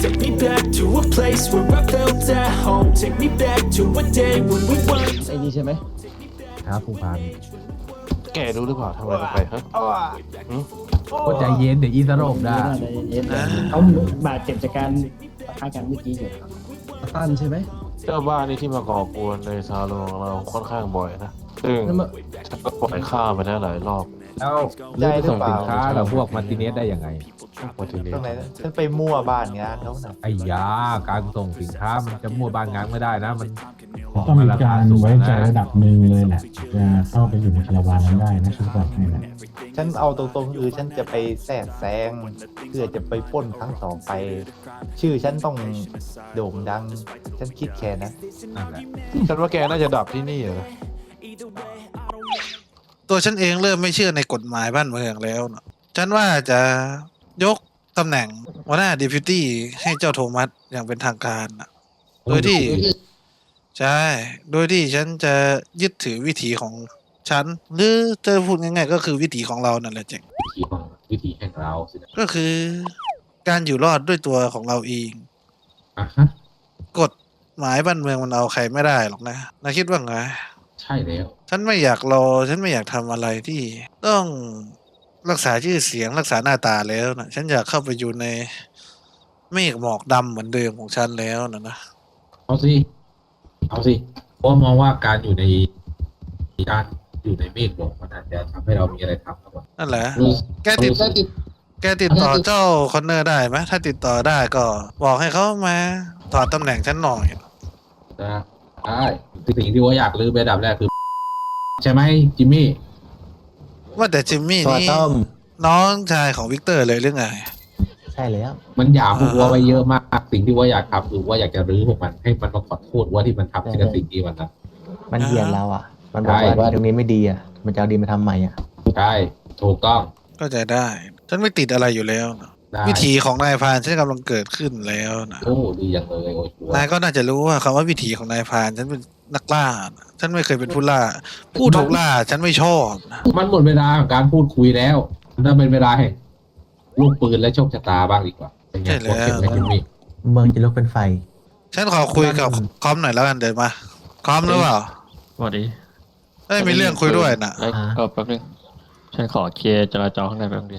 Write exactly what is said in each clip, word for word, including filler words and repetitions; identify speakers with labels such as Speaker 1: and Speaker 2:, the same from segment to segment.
Speaker 1: Take me back to a place where I felt at home. Take me back to a day when we weren't
Speaker 2: ไอ้นี่ใช่ไหมครับผู้พัน
Speaker 3: แกรู้หรือเปล่าทำอะไรลงไปฮะ
Speaker 2: ก็ใจเย็นเดี๋ยวอีสโรบได้
Speaker 4: เย็นเขาบาดเจ็บจากการปะทะกันเมื่อกี้อยู่
Speaker 2: ตั้นใช่ไหม
Speaker 3: เจ้าบ้านนี่ที่มาก่อกวนในซาลงของเราค่อนข้างบ่อยนะซึ่ง
Speaker 2: นั่นมา
Speaker 3: ฉันก็ปล่อยข้ามไปแล้วหลายรอบ
Speaker 2: เอ้าเลือกส่งสินค้ากับพวกมาร์ติเนสได้ยังไง
Speaker 3: พอทีนี้
Speaker 5: ตรงไหนนะฉันไปมั่วบ้านงานเขาน่ะ
Speaker 2: ไอ้ยาการส่งสินค้ามันจะมั่วบ้านงานไม่ได้นะมัน
Speaker 6: ต้องมีการไว้ใจระดับหนึ่งเลยแหละจะเข้าไปอยู่ในคาราวานนั้นได้นะฉันบอกให้นะ
Speaker 5: ฉันเอาตรงๆคือฉันจะไปแทรกแซงเพื่อจะไปปล้นครั้งต่อไป ชื่อฉันต้องโด่งดัง ฉันคิดแค่นะ
Speaker 2: นั่นแหละ
Speaker 3: ฉันว่าแกน่าจะดับที่นี่เหรอ
Speaker 7: ตัวฉันเองเริ่มไม่เชื่อในกฎหมายบ้านเมืองแล้วนะฉันว่าจะยกตำแหน่งหัวหน้าดิพิตี้ให้เจ้าโทมัสอย่างเป็นทางการนะโดยที่ใช่โดยที่ฉันจะยึดถือวิถีของฉัน หรือจะพูดง่ายๆก็คือวิถีของเรานั่นแหละเจ๋ง
Speaker 2: วิธีของวิธีแห่งเราสินะ
Speaker 7: ก็คือการอยู่รอดด้วยตัวของเราเอง
Speaker 2: อ่ะฮะ
Speaker 7: กฎหมายบ้านเมืองมันเอาใครไม่ได้หรอกนะนายคิดว่าไง
Speaker 2: ใช่แล้ว
Speaker 7: ฉันไม่อยากรอ ฉันไม่อยากทำอะไรที่ต้องรักษาชื่อเสียงรักษาหน้าตาแล้วนะฉันอยากเข้าไปอยู่ในเมฆหมอกดำเหมือนเดิมของฉันแล้วนะนะ
Speaker 2: เอาสิเอาสิเพราะมองว่าการอยู่ในการอยู่ในเมฆบอกมันอาจจะทำให้เรามีอะไรทำครับ
Speaker 7: นั่นแหละ แกติดแกติดต่อเจ้าคอนเนอร์ได้ไหมถ้าติดต่อได้ก็บอกให้เขามาถอดตำแหน่งฉันหน่อย
Speaker 2: นะใช่สิ่งที่ว่าอยากลืมไปอันดับแรกคือ ใช่ไหมจิมมี่
Speaker 7: ว่าแต่จิมมี่นี่น้องชายของวิกเตอร์เลยหรือไง
Speaker 5: ใช่แล้ว
Speaker 2: มันอยากพวกว่าไว้เยอะมากสิ่งที่ว่าอยากทำคือว่าอยากจะรื้อพวกมันให้มันมาขอโทษว่าที่มันทำสิ่งสิ่งที่มันท
Speaker 5: มันเหยียดเราอ่ะ มันบอกว่าตรงนี้ไม่ดีอ่ะ มันจะเอาดีมาทำใหม่อ่ะ
Speaker 2: ำใช่ถูกต้อง
Speaker 7: ก็จะได้ ฉันไม่ติดอะไรอยู่แล้วนะ
Speaker 2: ได้
Speaker 7: วิถีของนายพรานฉันกำลังเกิดขึ้นแล้วนะ
Speaker 2: โอ้ดีอย่างเลยโอ้ชัวร์
Speaker 7: นายก็น่าจะรู้ว่าคำว่าวิถีของนายพรานฉันเป็นนักล่านะฉันไม่เคยเป็นผู้ล่า ผู้ถูกล่าฉันไม่ชอบนะ
Speaker 2: มันหมดเวลาของการพูดคุยแล้วถ้าเป็นเวลาแห่งลูกปืนและโชคชะตาบ้างดีกว่าเป็นไงโอเคไหมจิมมี่
Speaker 5: เมืองจะลุกเป็นไฟ
Speaker 7: ฉันขอคุยกับคอมหน่อยแล้วกันเดี๋ยวมาคอมหรือเปล่า
Speaker 8: สวัสดี
Speaker 7: เอ้ยมีเรื่องคุยด้วยนะ
Speaker 8: เอ้ยเออแป๊บนึง ฉันขอเคลียร์จราจรข้างในแป๊บนึงดิ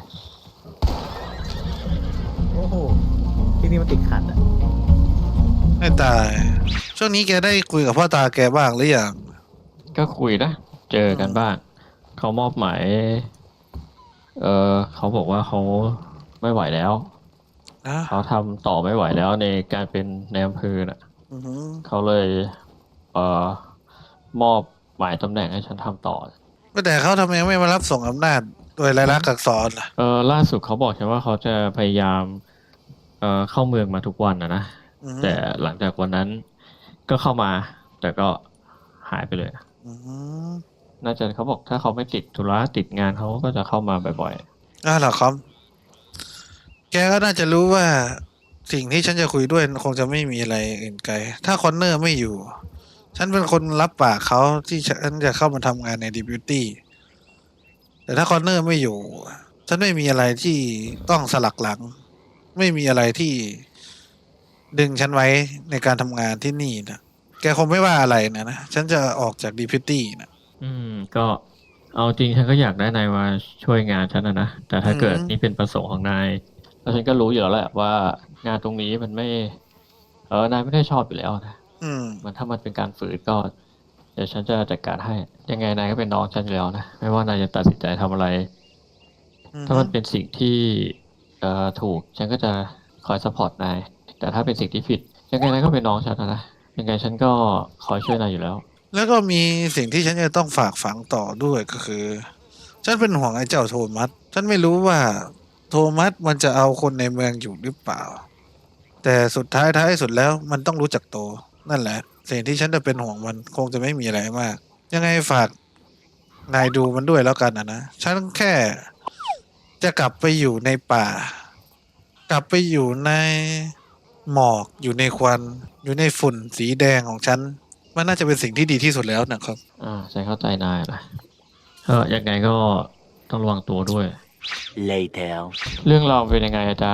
Speaker 5: โอ้โห ที่นี่มันติดขัดอ่ะ
Speaker 7: ไม่ตาย ช่วงนี้แกได้คุยกับพ่อตาแกบ้างหรือยัง
Speaker 8: ก็คุยนะ เจอกันบ้าง เขามอบหมาย เออเขาบอกว่าเขาไม่ไหวแล้ว
Speaker 7: นะ
Speaker 8: เขาทำต่อไม่ไหวแล้วในการเป็นในอำเภอน่ะ
Speaker 7: อือหือ
Speaker 8: เขาเลย เอ่อ มอบหมายตำแหน่งให้ฉันทำต่อ
Speaker 7: แต่เขาทำไมไม่มารับส่งอำนาจโดยลายลักษณ์อักษรล่ะ
Speaker 8: เออล่าสุดเขาบอกฉันว่าเขาจะพยายาม เอ่อ เข้าเมืองมาทุกวันนะนะ
Speaker 7: อือหือ
Speaker 8: แต่หลังจากวันนั้นก็เข้ามา แต่ก็หายไปเลย
Speaker 7: อือหือ
Speaker 8: น่าจะเขาบอกถ้าเขาไม่ติดธุระติดงานเขาก็จะเข้ามาบ่อย
Speaker 7: อ่าเหรอคอมแกก็น่าจะรู้ว่าสิ่งที่ฉันจะคุยด้วยคงจะไม่มีอะไรอื่นไกล ถ้าคอนเนอร์ไม่อยู่ ฉันเป็นคนรับปากเขาที่ฉันจะเข้ามาทำงานในดิบิวตี้ แต่ถ้าคอนเนอร์ไม่อยู่ ฉันไม่มีอะไรที่ต้องสลักหลัง ไม่มีอะไรที่ดึงฉันไว้ในการทำงานที่นี่นะแกคงไม่ว่าอะไรนะนะ ฉันจะออกจากดิพิวตี้นะ
Speaker 8: ๆ อืม ก็เอาจริงฉันก็อยากได้นายมาช่วยงานฉันนะนะ แต่ถ้าเกิด
Speaker 7: อืม
Speaker 8: นี่เป็นประสงค์ของนาย แล้วฉันก็รู้อยู่แล้วแหละว่างานตรงนี้มันไม่ เออนายไม่ได้ชอบอยู่แล้วนะ
Speaker 7: อืม
Speaker 8: มันถ้ามันเป็นการฝืนก็เดี๋ยวฉันจะจัดการให้ ยังไงนายก็เป็นน้องฉันอยู่แล้วนะ ไม่ว่านายจะตัดสินใจทำอะไร ถ้ามันเป็นสิ่งที่เอ่อถูก ฉันก็จะคอยซัพพอร์ตนาย แต่ถ้าเป็นสิ่งที่ผิด ยังไงนายก็เป็นน้องฉันนะนะ ยังไงฉันก็คอยช่วยนายอยู่แล้ว
Speaker 7: แล้วก็มีสิ่งที่ฉันจะต้องฝากฝังต่อด้วยก็คือ ฉันเป็นห่วงไอ้เจ้าโทมัส ฉันไม่รู้ว่าโทมัสมันจะเอาคนในเมืองอยู่หรือเปล่า แต่สุดท้ายท้ายสุดแล้วมันต้องรู้จักโต นั่นแหละ สิ่งที่ฉันจะเป็นห่วงมันคงจะไม่มีอะไรมาก ยังไงฝากนายดูมันด้วยแล้วกันนะนะ ฉันแค่จะกลับไปอยู่ในป่า กลับไปอยู่ในหมอกอยู่ในควันอยู่ในฝุ่นสีแดงของฉัน มันน่าจะเป็นสิ่งที่ดีที่สุดแล้วนะครับ
Speaker 8: อ่าฉันเข้าใจนายนะเออยังไงก็ต้องระวังตัวด้วย
Speaker 1: Later
Speaker 8: เรื่องเราวเป็นยังไงอาจารย์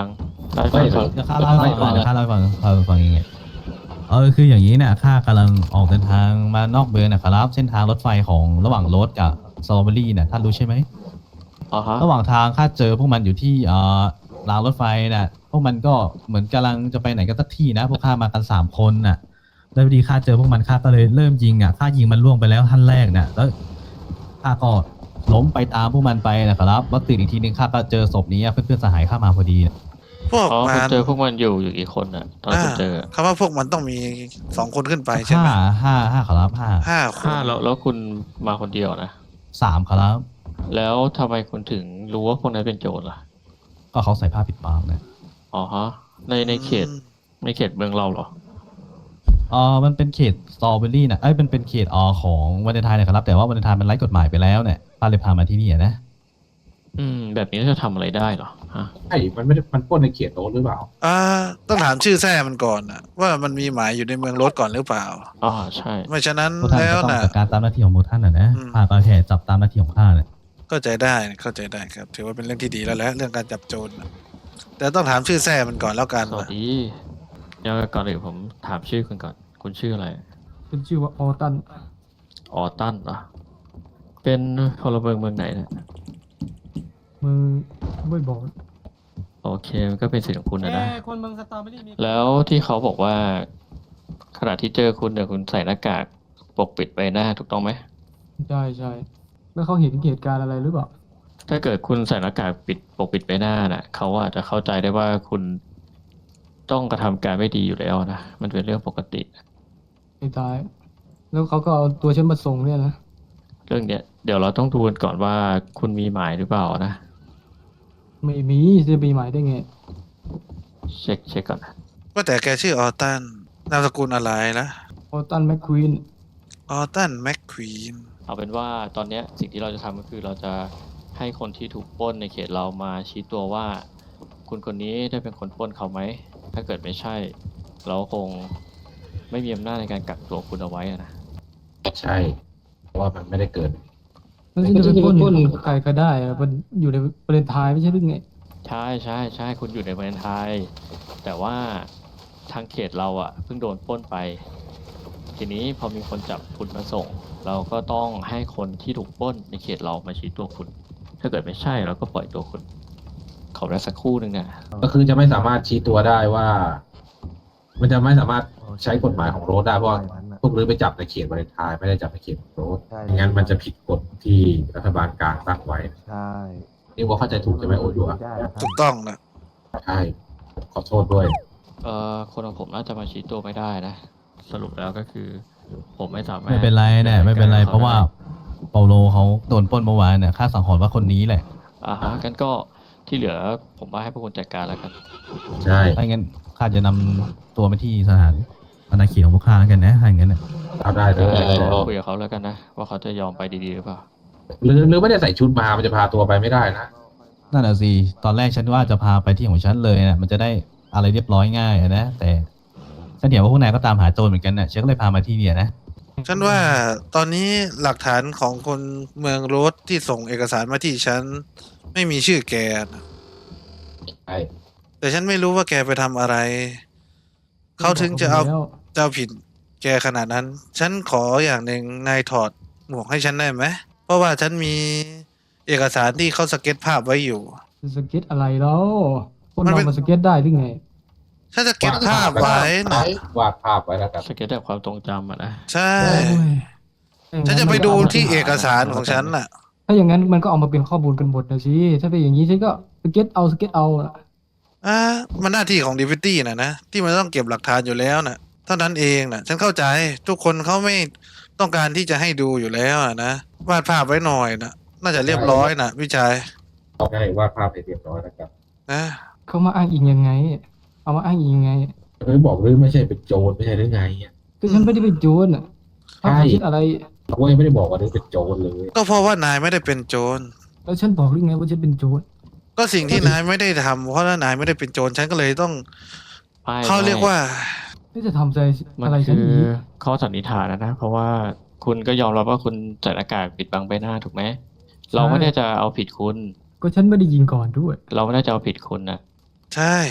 Speaker 8: ได้ฟังก่อน
Speaker 9: เดี๋ยวข้าเล่าให้ฟังเดี๋ยวข้าเล่าให้ฟังข้าเล่าให้ฟังยังไงเออคืออย่างนี้เนี่ยข้ากำลังออกเดินทางมานอกเมืองนะครับเส้นทางรถไฟของระหว่างรถกับสตรอเบอรี่เนี่ยท่านรู้ใช่ไหม
Speaker 8: อ๋อฮะ
Speaker 9: ระหว่างทางข้าเจอพวกมันอยู่ที่เอ่อรางรถไฟน่ะพวกมันก็เหมือนกำลังจะไปไหนกันสักที่นะพวกข้ามากันสามคนน่ะแล้วพอดีข้าเจอพวกมันข้าก็เลยเริ่มยิงอ่ะข้ายิงมันล่วงไปแล้วท่านแรกน่ะแล้วข้าก็ล้มไปตามพวกมันไปนะครับแล้วตื่นอีกทีนึงข้าก็เจอศพนี้อะเพื่อนๆสหายข้ามาพอดีน่ะ
Speaker 7: พวก
Speaker 8: อ๋อ
Speaker 7: มั
Speaker 8: คุณ
Speaker 7: น
Speaker 8: เจอพวกมันอยู่อยู่กี่คนอ่ะตอนคุณเจอ
Speaker 7: คำว่าพวกมันต้องมีสองคนขึ้นไปใช่ไหม
Speaker 9: ห้าห้าห้าครับห้า
Speaker 7: ห้าคน
Speaker 8: ห้าแล้วแล้วคุณมาคนเดียวนะ
Speaker 9: สามครับ
Speaker 8: แล้วทำไมคุณถึงรู้ว่าพวกนั้นเป็นโจรล่ะ
Speaker 9: ก็เขาใส่ผ้าปิดปากนะ
Speaker 8: อ๋อฮะ ในในเขตในเขตเมืองเราเหรอ
Speaker 9: เออมันเป็นเขตสตรอเบอรี่นะเอ้ยเป็นเป็นเขตออของวันเดนไทน์นะครับแต่ว่าวันเดนไทน์มันไร้กฎหมายไปแล้วเนี่ยป้าเลยพามาที่นี่อะนะ
Speaker 8: อืม แบบนี้จะทำอะไรได้เหรอฮะ
Speaker 2: ใช่มันไม่ได้มันปล้นในเขตโน้นหรือเปล่า
Speaker 7: อ่าต้องถามชื่อแท้มันก่อนนะว่ามันมีหมายอยู่ในเมืองรถก่อนหรือเปล่า
Speaker 8: อ๋อใช่
Speaker 7: ไม่ฉะนั้น
Speaker 9: พวกท่าน
Speaker 7: แล้ว
Speaker 9: ก็ต้อง
Speaker 7: นะ
Speaker 9: จัดการตามหน้าที่ของพวกท่านนะนะ
Speaker 7: อืม
Speaker 9: ข้าก็แค่จับตามหน้าที่ของข้าเนี่ย
Speaker 7: เข้าใจได้เข้าใจได้ครับ ถือว่าเป็นเรื่องที่ดีแล้วแหละเรื่องการจับโจรน่ะแต่ต้องถามชื่อแท้มันก่อนแล้วกัน
Speaker 8: สวัส
Speaker 7: นะ
Speaker 8: ดีเดี๋ยวก่อนอื่นผมถามชื่อคุณก่อน คุณชื่ออะไร
Speaker 4: เป็นชื่อว่าออตัน
Speaker 8: ออตันเหรอ เป็นพลเมืองเมืองไหนเนะ
Speaker 4: มึงไม่บอก
Speaker 8: โอเค มันก็เป็นสิทธิ์ของคุณนะนะ
Speaker 4: คนเมืองสตรอเบอรี่มี
Speaker 8: แล้วที่เขาบอกว่า ขณะที่เจอคุณเนี่ยคุณใส่หน้ากากปกปิดใบหน้าถูกต้องไหม
Speaker 4: ใช่ใช่แล้วเขาเห็นเหตุการณ์อะไรหรือเปล่า
Speaker 8: ถ้าเกิดคุณใส่หน้ากากปิดปกปิดใบหน้าน่ะเขาอาจจะเข้าใจได้ว่าคุณต้องกระทำการไม่ดีอยู่แล้วนะ มันเป็นเรื่องปกติ
Speaker 4: ไอ้ตาย แล้วเขาก็เอาตัวฉันมาส่งเนี่ยนะ
Speaker 8: เรื่องเนี้ยเดี๋ยวเราต้องดูกันก่อนว่าคุณมีหมายหรือเปล่านะ
Speaker 4: ไม่มีจะมีหมายได้ไง
Speaker 8: เช็คเช็คก่อนนะ
Speaker 7: ว่าแต่แกชื่อออตันนามสกุลอะไรนะ
Speaker 4: ออตันแมคควีน
Speaker 7: ออตันแมคควีน
Speaker 8: เอาเป็นว่าตอนเนี้ยสิ่งที่เราจะทำก็คือเราจะให้คนที่ถูกปล้นในเขตเรามาชี้ตัวว่า คุณคนนี้ได้เป็นคนปล้นเขาไหม ถ้าเกิดไม่ใช่ เราคงไม่มีอำนาจในการกักตัวคุณเอาไว้อะนะ
Speaker 2: ใช่ เพราะว่ามันไม่ได้เกิด
Speaker 4: แล้วฉันจะไปปล้นใครก็ได้อะมันอยู่ในประเด็นทายไม่ใช่หรือไง
Speaker 8: ใช่ใช่ใช่คุณอยู่ในประเทศไทย แต่ว่าทางเขตเราอ่ะเพิ่งโดนปล้นไป ทีนี้พอมีคนจับคุณมาส่ง เราก็ต้องให้คนที่ถูกปล้นในเขตเรามาชี้ตัวคุณ ถ้าเกิดไม่ใช่เราก็ปล่อยตัวคุณ ขอเวลาสักครู่หนึ่งนะ
Speaker 2: ก็คือจะไม่สามารถชี้ตัวได้ว่า มันจะไม่สามารถใช้กฎหมายของโรดได้เพราะว่าพวกรื้อไปจับในเขตวาเลนไทน์ไม่ได้จับในเขตของโรด
Speaker 5: ใช่
Speaker 2: ไม่งั้นมันจะผิดกฎที่รัฐบาลกลางตั้งไว้
Speaker 5: ใช่
Speaker 2: นี่ว่าเข้าใจถูกใช่ไหมโอยูอะ
Speaker 5: ได้ครับ
Speaker 7: ถูกต้องนะ
Speaker 2: ใช่ขอโทษด้วย
Speaker 8: เอ่อคนของผมน่าจะมาชี้ตัวไม่ได้นะ สรุปแล้วก็คือ ผมไม่สามารถ
Speaker 9: ไม่เป็นไรเนี่ยไม่เป็นไรเพราะว่าเปาโลเขาโดนปล้นเมื่อวานเนี่ยข้าสังหรณ์ว่าคนนี้แหละ
Speaker 8: อ่าฮะกันก็ที่เหลือผมว่าให้พวกคุณจัดการแล้วกัน
Speaker 2: ใช่
Speaker 9: ถ้างั้นข้าจะนำตัวไปที่สถานอาณาเขตของพวกข้าแล้วกันนะถ้าอย่างนั้นน่ะ
Speaker 2: เอาได้เล
Speaker 8: เดี๋ยวย เดี๋ยวคุยกับเขาแล้วกันนะ ว่าเขาจะยอมไปดีๆหรือเปล่า
Speaker 2: หรือหรือไม่ได้ใส่ชุดมามันจะพาตัวไปไม่ได้นะ
Speaker 9: นั่นแหะสิตอนแรกฉันว่าจะพาไปที่ของฉันเลยนะมันจะได้อะไรเรียบร้อยง่ายอะนะแต่ฉันเห็นว่าพวกนายก็ตามหาโจรเหมือนกันน่ะฉันก็เลยพามาที่เนี่ยนะ
Speaker 7: ฉันว่าตอนนี้หลักฐานของคนเมืองโรสที่ส่งเอกสารมาที่ฉันไม่มีชื่อแกนะ
Speaker 2: ใช่
Speaker 7: แต่ฉันไม่รู้ว่าแกไปทำอะไร เขาถึงจะเอา
Speaker 4: แล้ว
Speaker 7: จะเอาผิดแกขนาดนั้น ฉันขออย่างหนึ่งนายถอดหมวกให้ฉันได้ไหม เพราะว่าฉันมีเอกสารที่เขาสเก็ตภาพไว้อยู่
Speaker 4: จะสเก็ตอะไรแล้วคน
Speaker 7: มัน
Speaker 4: เรา
Speaker 7: เป็น
Speaker 4: มาสเก็ตได้หรือไง
Speaker 7: ฉันจะเก็ตภาพไว้นะ
Speaker 2: วาดภาพไว้แล้วกัน
Speaker 8: สเก็ตแบบความทรงจำอะนะ
Speaker 7: ใช่
Speaker 4: โอ้ย
Speaker 7: ฉันจะไปดูที่เอกสารของฉันน่ะ
Speaker 4: ถ้าอย่างนั้นมันก็เอามาเป็นข้อมูลกันหมดนะสิถ้าเป็นอย่างนี้ฉันก็สเก็ตเอาสเก็ตเอาน่ะ
Speaker 7: อ่ามันหน้าที่ของดีฟิตี้นะนะที่มันต้องเก็บหลักฐานอยู่แล้วนะเท่านั้นเองนะฉันเข้าใจทุกคนเขาไม่ต้องการที่จะให้ดูอยู่แล้วอะนะวาดภาพไว้หน่อยนะน่าจะเรียบร้อยนะพี่ชาย
Speaker 2: เอาง่ายวาดภาพให้เรียบร้อยแล้วกัน
Speaker 7: นะ
Speaker 4: เขามาอ้างอิงยังไง เอามาอ้างอิงยังไง
Speaker 2: เฮ้ยบอกหรือไม่ใช่เป็นโจรไม่ใช่หรือไงอ่ะ
Speaker 4: ก็ฉันไม่ได้เป็นโจรอ่ะถ้า
Speaker 2: ใช่
Speaker 4: เขาคิดอะไร
Speaker 2: เขายังไม่ได้บอกว่าหรือเป็นโจรเลย
Speaker 7: ก็เพราะว่านายไม่ได้เป็นโจร
Speaker 4: แล้วฉันบอกหรือไงว่าฉันเป็นโจร
Speaker 7: ก็สิ่งที่นายไม่ได้ทำเพราะว่านายไม่ได้เป็นโจรฉันก็เลยต้อง
Speaker 8: ไม่
Speaker 7: เขาเรียกว่า
Speaker 4: นี่จะทำใจ
Speaker 8: มัน
Speaker 4: อะไรฉั
Speaker 8: คื
Speaker 4: น
Speaker 8: อ
Speaker 4: อีก
Speaker 8: ข้อสันนิษฐานนะนะ เพราะว่าคุณก็ยอมรับว่าคุณใส่หน้ากากปิดบังใบหน้าถูกไหม เราไม่ได้จะเอาผิดคุณ
Speaker 4: ก็ฉันไม่ได้ยิงก่อนด้วย
Speaker 8: เราไม่ได้จะเอาผิดคุณนะ
Speaker 7: ใช่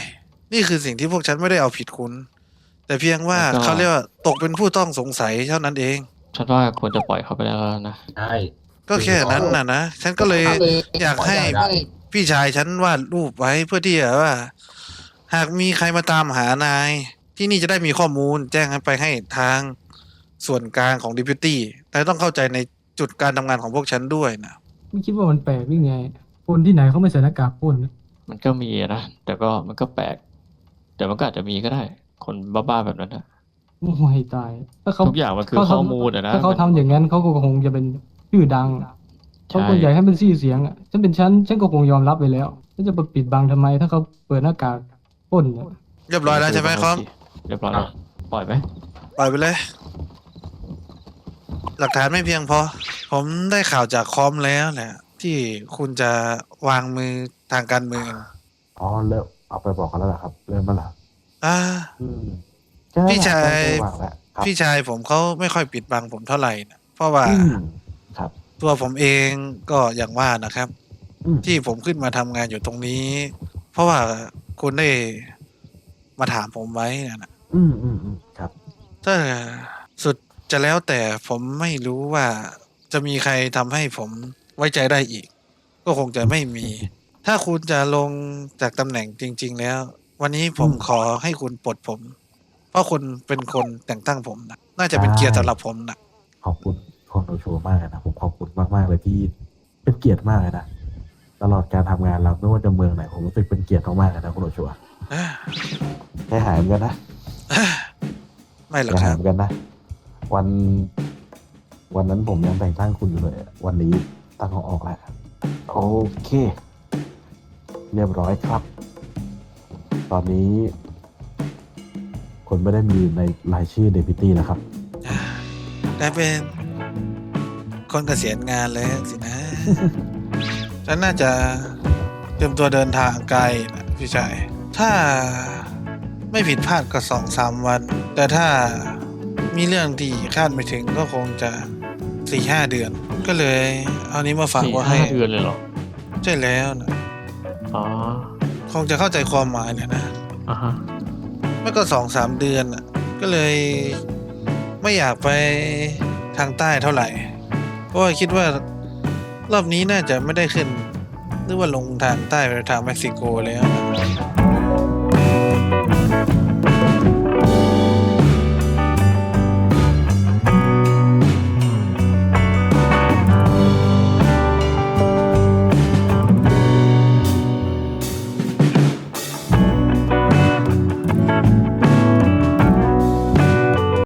Speaker 7: นี่คือสิ่งที่พวกฉันไม่ได้เอาผิดคุณ แต่เพียงว่าเขาเรียกว่าตกเป็นผู้ต้องสงสัยเท่านั้นเอง
Speaker 8: ฉันว่าควรจะปล่อยเขาไปแล้วนะ
Speaker 2: ใช่
Speaker 7: ก็แค่นั้นน่ะนะ ฉันก็เลยอยากให้พี่ชายฉันวาดรูปไว้เพื่อที่จะว่า หากมีใครมาตามหานาย ที่นี่จะได้มีข้อมูลแจ้งไปให้ทางส่วนกลางของดิพิตี้แต่ต้องเข้าใจในจุดการทำงานของพวกฉันด้วยนะ
Speaker 4: ไม่คิดว่ามันแปลกหรือไงปล้นที่ไหนเขาไม่ใส่หน้ากากปล้นนะ
Speaker 8: มันก็มีนะ แต่ก็มันก็แปลก แต่มันก็อาจจะมีก็ได้ คนบ้าๆแบบนั้นนะ
Speaker 4: โอ้ยตายถ้าเขา
Speaker 8: ทุกอย่างมันคือ
Speaker 4: เขาทำ
Speaker 8: ข้อมูลอะนะ
Speaker 4: ถ้าเขาทำอย่างนั้นเขาก็คงจะเป็นชื่อดังอะเขา
Speaker 8: ใช่
Speaker 4: คนใหญ่ให้เป็นชื่อเสียงอ่ะฉันเป็นฉันฉันก็คงยอมรับไปแล้วฉันจะไปปิดบังทำไม ถ้าเขาเปิดหน้ากากปล้นเนี่ย
Speaker 7: เรียบร้อยแล้วใช่ไหมครับ
Speaker 8: เรียบร้อยแล้วปล่อยไหม
Speaker 7: ปล่อยไปเลย หลักฐานไม่เพียงพอ ผมได้ข่าวจากคอมแล้วแหละ ที่คุณจะวางมือทางการเมือง
Speaker 5: อ๋อเริ่มเอาไปบอกกันแล้วเหรอครับ เริ่มมาแล้ว
Speaker 7: อ่า
Speaker 5: อืม
Speaker 7: พี่ชาย
Speaker 5: วางแล้วครับ
Speaker 7: พี่ชายผมเขาไม่ค่อยปิดบังผมเท่าไหร่นะเพราะว่า
Speaker 5: อืมครับ
Speaker 7: ตัวผมเองก็อย่างว่านะครับ
Speaker 5: อืม
Speaker 7: ที่ผมขึ้นมาทำงานอยู่ตรงนี้ เพราะว่าคุณได้มาถามผมไว้นะ
Speaker 5: อืมอืมอืมครับ
Speaker 7: ถ้าสุดจะแล้วแต่ผมไม่รู้ว่าจะมีใครทำให้ผมไว้ใจได้อีก ก็คงจะไม่มี ถ้าคุณจะลงจากตำแหน่งจริง ๆ แล้ว วันนี้ผม
Speaker 5: อืม
Speaker 7: ขอให้คุณปลดผม เพราะคุณเป็นคนแต่งตั้งผมนะน่าจะเป็นเกียรติสำหรับผมนะ
Speaker 5: ขอบคุณคนโอโชว์มากเลยนะผมขอบคุณมากมากๆเลยที่เป็นเกียรติมากเลยนะตลอดการทำงานเราไม่ว่าจะเมืองไหนผมรู้สึกเป็นเกียรติมากๆเลยนะคุณโอโชว์
Speaker 7: อ่า
Speaker 5: ใจหายเหมือนกันนะ
Speaker 7: ไม่หรอก
Speaker 5: ใจ
Speaker 7: ค
Speaker 5: หาย
Speaker 7: รับ
Speaker 5: เหมือนกันนะ วัน วันนั้นผมยังแต่งตั้งคุณอยู่เลยวันนี้ตั้งเขาออกแล้วโอเค เรียบร้อยครับ ตอนนี้คนไม่ได้มีในรายชื่อเดพิตี้แล้วครับ
Speaker 7: กลายเป็นคนเกษียณงานแล้วสินะ ฉันน่าจะเตรียมตัวเดินทางไกลนะพี่ชาย ถ้าไม่ผิดพลาดก็สองสามวัน แต่ถ้ามีเรื่องที่คาดไม่ถึงก็คงจะสี่ห้าเดือน ก็เลยเอานี้มาฝาก
Speaker 8: สี่
Speaker 7: ไว้
Speaker 8: ห้า
Speaker 7: ให้
Speaker 8: เดือนเลยเหรอ
Speaker 7: ใช่แล้วนะ
Speaker 8: อ๋อ
Speaker 7: คงจะเข้าใจความหมายเนี่ยนะ
Speaker 8: อ่าฮะ
Speaker 7: ไม่ก็สองสามเดือนน่ะ ก็เลยไม่อยากไปทางใต้เท่าไหร่ เพราะว่าคิดว่ารอบนี้น่าจะไม่ได้ขึ้น หรือว่าลงทางใต้ไปทางเม็กซิโกแล้วนะ